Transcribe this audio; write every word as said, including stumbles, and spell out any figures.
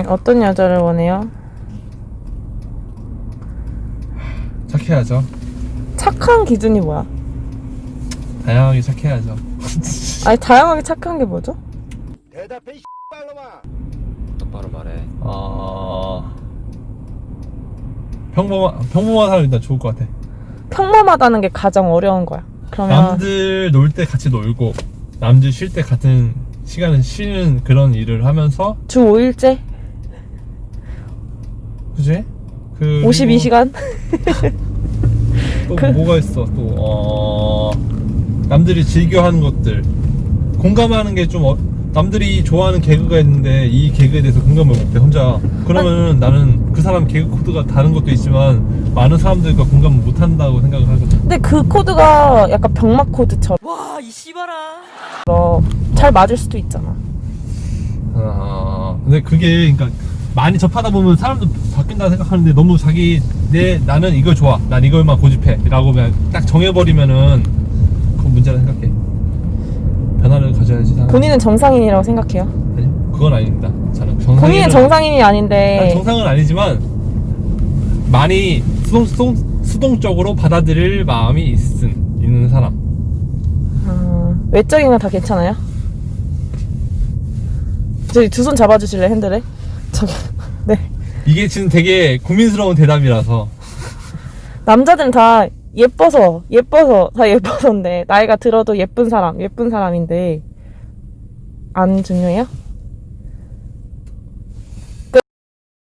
어떤 여자를 원해요? 착해야죠. 착한 기준이 뭐야? 다양하게 착해야죠. 아니 다양하게 착한 게 뭐죠? 대답해 이 X발놈아. 똑바로 말해. 어... 평범한 평범한 사람이 일단 좋을 것 같아. 평범하다는 게 가장 어려운 거야. 그러면 남들 놀 때 같이 놀고 남들 쉴 때 같은 시간을 쉬는 그런 일을 하면서 주 오 일째 그지? 그 오십이 시간? 또 그- 뭐가 있어 또 어... 남들이 즐겨하는 것들 공감하는 게 좀 어... 남들이 좋아하는 개그가 있는데 이 개그에 대해서 공감을 못해 혼자. 그러면 나는 그 사람 개그 코드가 다른 것도 있지만 많은 사람들과 공감을 못한다고 생각을 하거든. 근데 그 코드가 약간 병맛 코드처럼 와, 이 씨발아. 잘 맞을 수도 있잖아. 아, 근데 그게 그러니까 많이 접하다 보면 사람도 바뀐다 생각하는데 너무 자기 내 나는 이걸 좋아, 난 이걸만 고집해라고 그냥 딱 정해버리면은 그건 문제라 생각해. 변화를 가져야지. 사람. 본인은 정상인이라고 생각해요? 아니, 그건 아닙니다. 저는 정상인. 본인은 정상인이 아닌데 정상은 아니지만 많이 수동, 수동 수동적으로 받아들일 마음이 있은 있는 사람. 어, 외적인 건 다 괜찮아요? 저기 두 손 잡아주실래 핸들에? 저기 네. 이게 지금 되게 고민스러운 대답이라서. 남자들은 다 예뻐서 예뻐서 다 예뻐서인데 나이가 들어도 예쁜 사람 예쁜 사람인데 안 중요해요?